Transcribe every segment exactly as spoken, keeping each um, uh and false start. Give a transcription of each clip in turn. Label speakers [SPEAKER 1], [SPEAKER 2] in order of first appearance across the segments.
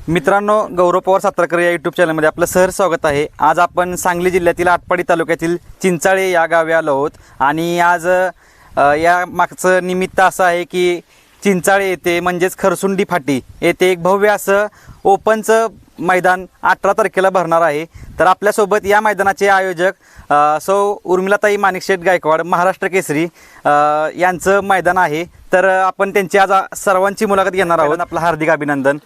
[SPEAKER 1] मित्रांनो, गौरव पवार सातारकर या यूट्यूब चॅनलमध्ये आपलं सहर्ष स्वागत आहे। आज आपण सांगली जिल्ह्यातील आटपाडी तालुक्यातील चिंचाळे या गावी आलो आहोत आणि आज या मागचं निमित्त असं आहे की चिंचाळे येथे म्हणजेच खरसुंडी फाटी येथे एक भव्य असं ओपनचं मैदान अठरा तारखेला भरणार आहे। तर आपल्यासोबत या मैदानाचे आयोजक सौ उर्मिलाताई माणिकशेठ गायकवाड महाराष्ट्र केसरी यांचं मैदान आहे। तर आपण त्यांची आज सर्वांची मुलाखत घेणार आहोत। आपलं हार्दिक अभिनंदन।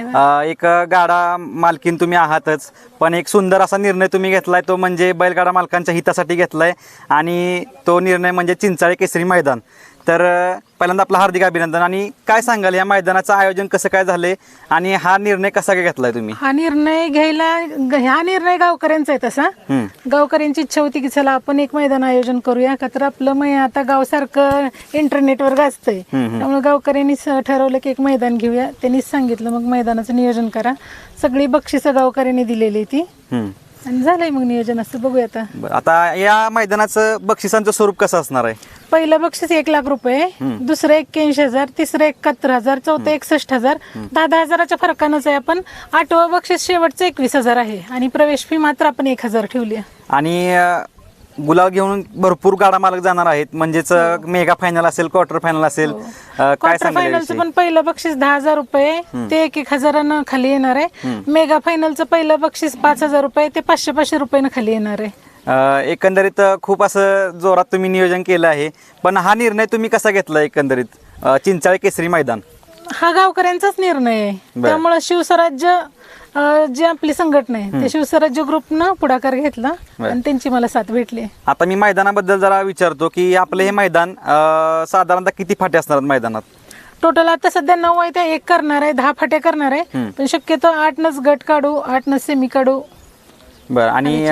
[SPEAKER 1] एक गाडा मालकीन तुम्ही आहातच, पण एक सुंदर असा निर्णय तुम्ही घेतलाय, तो म्हणजे बैलगाडा मालकांच्या हितासाठी घेतलाय आणि तो निर्णय म्हणजे चिंचाळे केसरी मैदान। तर पहिल्यांदा आपलं हार्दिक अभिनंदन। आणि काय सांगाल या मैदानाचं आयोजन कसं काय झालंय आणि हा निर्णय कसा काय घेतलाय तुम्ही?
[SPEAKER 2] हा निर्णय घ्यायला हा निर्णय गावकऱ्यांचा आहे तसा। गावकऱ्यांची इच्छा होती की चला आपण एक मैदान आयोजन करूया का, तर आपलं मै आता गाव सारखं इंटरनेटवर गाजतंय, त्यामुळे गावकऱ्यांनी ठरवलं की एक मैदान घेऊया। त्यांनीच सांगितलं मग मैदानाचं नियोजन करा। सगळी बक्षिसं गावकऱ्यांनी दिलेली ती आणि झालंय मग नियोजन असं बघूया आता।
[SPEAKER 1] आता या मैदानाचं बक्षिसांचं स्वरूप कसं असणार आहे?
[SPEAKER 2] पहिलं बक्षीस एक लाख रुपये, दुसरं एक्क्याऐंशी हजार, तिसरं एकाहत्तर हजार, चौथं एकसष्ट हजार, दहा दहा हजाराच्या फरकानंच आहे। आपण आठवं बक्षीस शेवटचं एकवीस हजार आहे आणि प्रवेश फी मात्र आपण एक हजार ठेवली आहे।
[SPEAKER 1] आणि गुलाल घेऊन भरपूर गाडा मालक जाणार आहेत, म्हणजेच मेगा फायनल असेल, क्वार्टर फायनल असेल, काय
[SPEAKER 2] क्वार्टर फायनलचं पण पहिलं बक्षीस दहा हजार रुपये ते एक एक हजारानं खाली येणार आहे। मेगा फायनलचं पहिलं बक्षीस पाच हजार रुपये ते पाचशे पाचशे रुपयानं खाली येणार आहे।
[SPEAKER 1] एकंदरीत खूप असं जोरात तुम्ही नियोजन केलं आहे, पण हा निर्णय तुम्ही कसा घेतला? एकंदरीत चिंचाळे केसरी मैदान
[SPEAKER 2] हा गावकऱ्यांचाच निर्णय आहे, त्यामुळे शिवस्वराज्य जी आपली संघटना आहे ते शिवस्वराज्य ग्रुपनं पुढाकार घेतला आणि त्यांची मला साथ भेटली। आता
[SPEAKER 1] मी मैदानाबद्दल जरा विचारतो की आपलं हे मैदान साधारणतः किती फाटे असणार मैदानात?
[SPEAKER 2] टोटल आता सध्या नऊ आहे, त्या एक करणार आहे, दहा फाटे करणार आहे, पण शक्यतो आठ नच गट काढू, आठ नच सेमी काढू।
[SPEAKER 1] बरं, आणि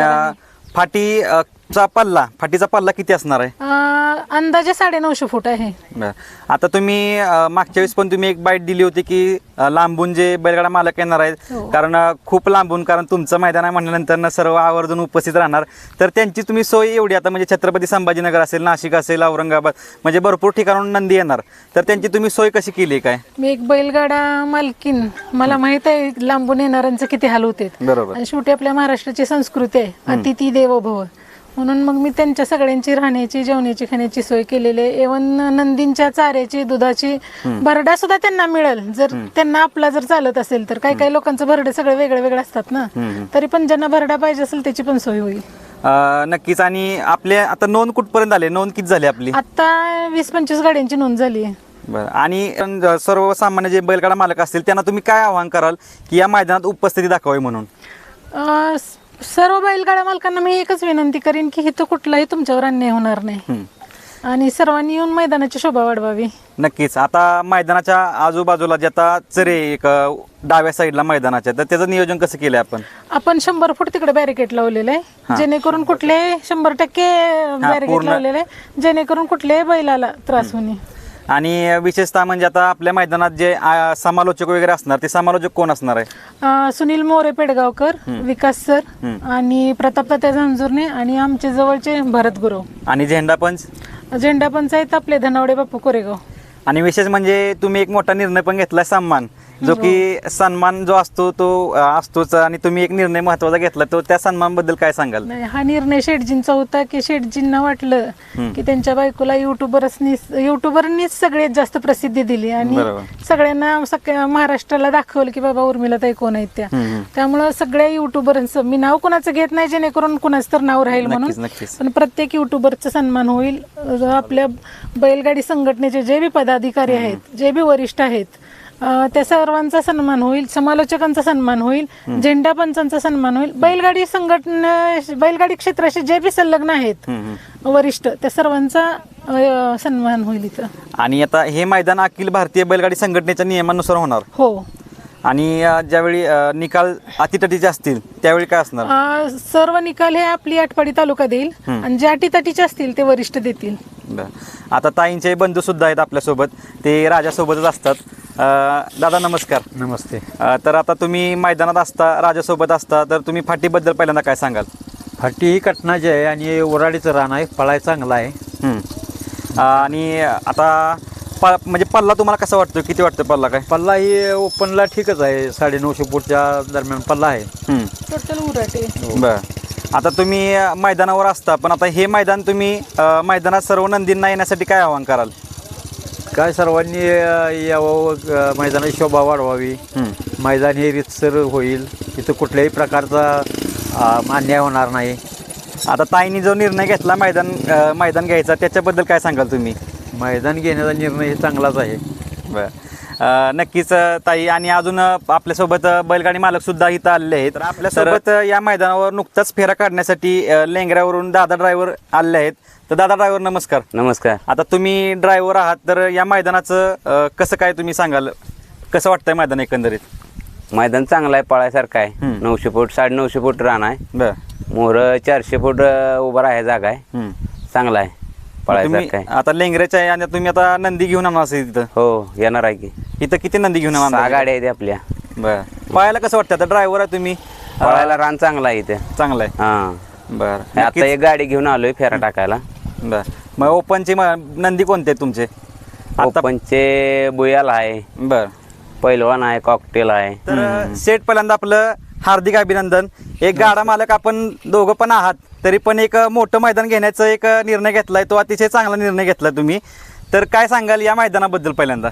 [SPEAKER 1] फाटी चा पल्ला फाटीचा पल्ला किती असणार आहे?
[SPEAKER 2] अंदाजे साडे नऊशे फूट आहे।
[SPEAKER 1] आता तुम्ही मागच्या वेळेस पण तुम्ही एक बाईट दिली होती की लांबून जे बैलगाडा मालक येणार आहेत, कारण खूप लांबून, कारण तुमचं मैदान आहे म्हणल्यानंतर सर्व आवर्जून उपस्थित राहणार, तर त्यांची तुम्ही सोय एवढी आता म्हणजे छत्रपती संभाजीनगर असेल, नाशिक असेल, औरंगाबाद, म्हणजे भरपूर ठिकाणून नंदी येणार, तर त्यांची तुम्ही सोय कशी केली काय?
[SPEAKER 2] मी एक बैलगाडा मालकीन, मला माहित आहे लांबून येणाऱ्यांचे किती हाल होते।
[SPEAKER 1] बरोबर,
[SPEAKER 2] आणि शेवटी आपल्या महाराष्ट्राची संस्कृती आहे अतिथी देवो भव, म्हणून मग मी त्यांच्या सगळ्यांची राहण्याची, जेवण्याची, खाण्याची सोय केलेली आहे। एवन नंदींच्या चाऱ्याची, दुधाची भरडा सुद्धा त्यांना मिळेल जर त्यांना आपला जर चालत असेल तर। काही काही लोकांचं भरडे सगळे वेगळे वेगळे असतात ना, तरी पण ज्यांना भरडा पाहिजे असेल त्याची पण सोय होईल।
[SPEAKER 1] नक्कीच। आणि आपल्या आता नोंद कुठपर्यंत आले? नोंद किती झाली आपली?
[SPEAKER 2] आता वीस पंचवीस गाड्यांची नोंद झाली आहे।
[SPEAKER 1] बरं, आणि सर्वसामान्य जे बैलगाडा मालक असतील त्यांना तुम्ही काय आवाहन कराल की या मैदानात उपस्थिती दाखवावी म्हणून?
[SPEAKER 2] सर्व बैलगाडा मालकांना मी एकच विनंती करीन की इथं कुठलाही तुमच्यावर अन्याय होणार नाही आणि सर्वांनी येऊन मैदानाची शोभा वाढवावी।
[SPEAKER 1] नक्कीच। आता मैदानाच्या आजूबाजूला जे आता चरे एक डाव्या साईडला मैदानाच्या, तर त्याचं नियोजन कसं केलंय आपण?
[SPEAKER 2] आपण शंभर फूट तिकडे बॅरिकेड लावलेलं आहे, जेणेकरून कुठले शंभर टक्के बॅरिकेड लावलेलं आहे, जेणेकरून कुठल्याही बैलाला त्रास होणे।
[SPEAKER 1] आणि विशेषतः म्हणजे आता आपल्या मैदानात जे समालोचक वगैरे असणार, ते समालोचक कोण असणार आहे?
[SPEAKER 2] सुनील मोरे पेडगावकर, विकास सर आणि प्रताप तात्या झंझुर्णे आणि आमचे जवळचे भरत गुरव।
[SPEAKER 1] आणि झेंडा पंच?
[SPEAKER 2] झेंडा पंच आहेत आपले धनावडे बापू कोरेगाव।
[SPEAKER 1] आणि विशेष म्हणजे तुम्ही एक मोठा निर्णय पण घेतलाय, सन्मान, जो की सन्मान जो असतो तो असतोच, आणि तुम्ही एक निर्णय महत्वाचा घेतला, तो त्या सन्मानबद्दल काय सांगाल?
[SPEAKER 2] नाही, हा निर्णय शेठजींचा होता की शेठजींना वाटलं की त्यांच्या बायकोला युट्यूबरनी युट्यूबरनीच सगळ्यात जास्त प्रसिद्धी दिली आणि सगळ्यांना सगळ्या महाराष्ट्राला दाखवलं की बाबा उर्मिलाताई कोण आहेत त्या। त्यामुळं सगळ्या युट्यूबरांचं मी नाव कोणाचं घेत नाही जेणेकरून कुणाचं तर नाव राहील म्हणून, पण प्रत्येक युट्यूबरचा सन्मान होईल। आपल्या बैलगाडी संघटनेचे जे बी पदाधिकारी आहेत, जे बी वरिष्ठ आहेत, त्या सर्वांचा सन्मान होईल, समालोचकांचा सन्मान होईल, झेंडा पंचांचा सन्मान होईल, बैलगाडी संघटना बैलगाडी क्षेत्राशी जे बी संलग्न आहेत वरिष्ठ त्या सर्वांचा सन्मान होईल इथं।
[SPEAKER 1] आणि आता हे मैदान अखिल भारतीय बैलगाडी संघटनेच्या नियमानुसार होणार?
[SPEAKER 2] हो।
[SPEAKER 1] आणि ज्यावेळी निकाल अटीतटीचे असतील त्यावेळी काय असणार?
[SPEAKER 2] सर्व निकाल हे आपली आटपाडी तालुका देईल आणि जे अटीतटीचे असतील ते वरिष्ठ देतील।
[SPEAKER 1] आता ताईंचे बंधू सुद्धा आहेत आपल्यासोबत, ते राजासोबतच असतात। दादा नमस्कार.
[SPEAKER 3] नमस्ते.
[SPEAKER 1] तर आता तुम्ही मैदानात असता, राजासोबत असता, तर तुम्ही फाटीबद्दल पहिल्यांदा काय सांगाल?
[SPEAKER 3] फाटी ही कटनाची आहे आणि ओराडीचं रान आहे, पळाय चांगला आहे।
[SPEAKER 1] आणि आता पा म्हणजे पल्ला तुम्हाला कसा वाटतो, किती वाटतं पल्ला काय?
[SPEAKER 3] पल्ला ही ओपनला ठीकच आहे, साडे नऊशे फूटच्या दरम्यान पल्ला आहे.
[SPEAKER 1] हम्म.
[SPEAKER 2] टोटल उराटे.
[SPEAKER 1] बर. आता तुम्ही अ, मैदानावर असता, पण आता हे मैदान तुम्ही अ, मैदानात सर्व नंदींना येण्यासाठी काय आवाहन कराल?
[SPEAKER 3] काय सर्वांनी अ, यावं, अ, मैदानाची शोभा वाढवावी, मैदान हे रितसर होईल, इथं कुठल्याही प्रकारचा अ, अन्याय होणार नाही.
[SPEAKER 1] आता ताईंनी जो निर्णय घेतला मैदान अ, मैदान घ्यायचा, त्याच्याबद्दल काय सांगाल तुम्ही?
[SPEAKER 3] मैदान घेण्याचा निर्णय हे चांगलाच आहे.
[SPEAKER 1] बर. अ, नक्कीच अ, ताई, आणि अजून अ, आपल्यासोबत अ, बैलगाडी मालक सुद्धा इथं आलेले आहेत. तर आपल्यासोबत अ, या मैदानावर नुकताच फेरा काढण्यासाठी अ, लेंगऱ्यावरून दादा ड्रायव्हर आले आहेत. तर दादा ड्रायव्हर नमस्कार.
[SPEAKER 4] नमस्कार.
[SPEAKER 1] आता तुम्ही ड्रायव्हर आहात, तर या मैदानाचं अ, कसं काय तुम्ही सांगाल, कसं वाटतंय मैदान एकंदरीत?
[SPEAKER 4] मैदान चांगलं आहे, पळायसारखं आहे.
[SPEAKER 1] हम्म.
[SPEAKER 4] नऊशे फूट साडे नऊशे फूट रान आहे.
[SPEAKER 1] बर.
[SPEAKER 4] मोर चारशे फूट अ, उभा राहायची जागा आहे.
[SPEAKER 1] हम्म.
[SPEAKER 4] चांगला आहे,
[SPEAKER 1] तुम्ही
[SPEAKER 4] पळायसारखं आहे.
[SPEAKER 1] आता लेंगऱ्याच्या आहे आणि तुम्ही आता नंदी घेऊन आणणार असेल तिथं.
[SPEAKER 4] हो, येणार आहे की.
[SPEAKER 1] इथं किती नंदी घेऊन
[SPEAKER 4] सहा
[SPEAKER 1] आणणार?
[SPEAKER 4] गाड्या आहेत आपल्या.
[SPEAKER 1] बर. पळायला कसं वाटतं? आता ड्रायव्हर आहे तुम्ही,
[SPEAKER 4] पळायला रान चांगला आहे इथे.
[SPEAKER 1] चांगलं आहे.
[SPEAKER 4] हा,
[SPEAKER 1] बर.
[SPEAKER 4] आता एक गाडी घेऊन आलोय फेरा टाकायला.
[SPEAKER 1] बर. मग ओपनचे म- नंदी कोणते आहेत तुमचे आता?
[SPEAKER 4] ओपनचे बुयाल आहे,
[SPEAKER 1] बर.
[SPEAKER 4] पैलवान आहे, कॉकटेल आहे.
[SPEAKER 1] तर सेट पहिल्यांदा आपलं हार्दिक अभिनंदन. एक गाडा मालक आपण दोघं पण आहात, तरी पण एक मोठं मैदान घेण्याचा एक निर्णय घेतलाय, तो अतिशय चांगला निर्णय घेतलाय तुम्ही. तर काय सांगाल या मैदानाबद्दल पहिल्यांदा?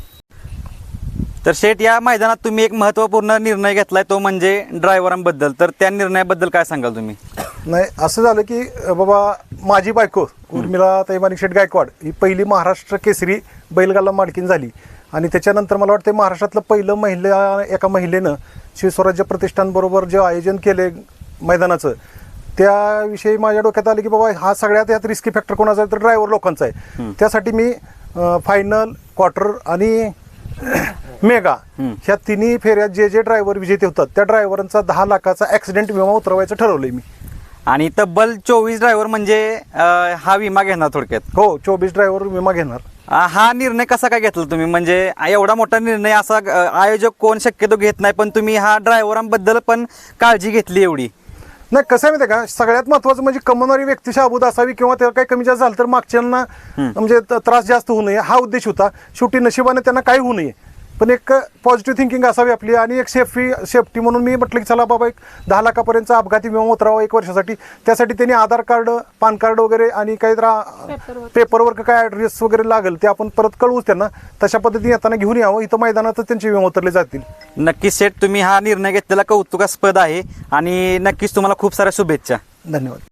[SPEAKER 1] तर शेठ, या मैदानात तुम्ही एक महत्त्वपूर्ण निर्णय घेतलाय, तो म्हणजे ड्रायव्हरांबद्दल. तर त्या निर्णयाबद्दल काय सांगाल तुम्ही?
[SPEAKER 5] नाही, असं झालं की अ, बाबा माझी बायको उर्मिला ताई माणिक शेठ गायकवाड ही पहिली महाराष्ट्र केसरी बैलगाला मालकीन झाली. आणि त्याच्यानंतर मला वाटतं महाराष्ट्रातलं पहिलं महिला एका महिलेनं शिवस्वराज्य प्रतिष्ठानबरोबर जे आयोजन केले मैदानाचं, त्याविषयी माझ्या डोक्यात आलं की बाबा हा सगळ्यात यात रिस्की फॅक्टर कोणाचा आहे, तर ड्रायव्हर लोकांचा आहे. त्यासाठी मी फायनल, क्वार्टर आणि मेगा ह्या तिन्ही फेऱ्यात जे जे ड्रायव्हर विजेते होतात त्या ड्रायव्हरांचा दहा लाखाचा ॲक्सिडेंट विमा उतरवायचं ठरवलंय मी.
[SPEAKER 1] आणि तब्बल चोवीस ड्रायव्हर म्हणजे अं, हा विमा घेणार थोडक्यात.
[SPEAKER 5] हो, चोवीस ड्रायव्हर विमा घेणार.
[SPEAKER 1] अं, हा निर्णय कसा काय घेतला तुम्ही? म्हणजे एवढा मोठा निर्णय असा अं, आयोजक कोण शक्यतो घेत नाही, पण तुम्ही हा ड्रायव्हरांबद्दल पण काळजी घेतली एवढी?
[SPEAKER 5] नाही, कसं आहे माहिती आहे का, सगळ्यात महत्त्वाचं म्हणजे कमवणारी व्यक्ती शाबूत असावी, किंवा त्याला काही कमी जास्त झालं तर मागच्यांना म्हणजे त- त्रास जास्त होऊ नये, हा उद्देश होता. शेवटी नशिबाने त्यांना काही होऊ नये, पण एक पॉझिटिव्ह थिंकिंग असावी आपली. आणि एक सेफ्टी सेफ्टी म्हणून मी म्हटलं की चला बाबा एक दहा लाखापर्यंतचा अपघाती विमा उतरावा एक वर्षासाठी. त्यासाठी त्यांनी आधार कार्ड, पॅन कार्ड वगैरे आणि काही पेपरवर्क काय ॲड्रेस वगैरे लागेल ते आपण परत कळवूच त्यांना. तशा पद्धतीने येताना घेऊन यावं, इथं मैदानातच त्यांचे विमा उतरले जातील.
[SPEAKER 1] नक्कीच सेठ, तुम्ही हा निर्णय घेतलेला कौतुकास्पद आहे आणि नक्कीच तुम्हाला खूप साऱ्या शुभेच्छा.
[SPEAKER 5] धन्यवाद.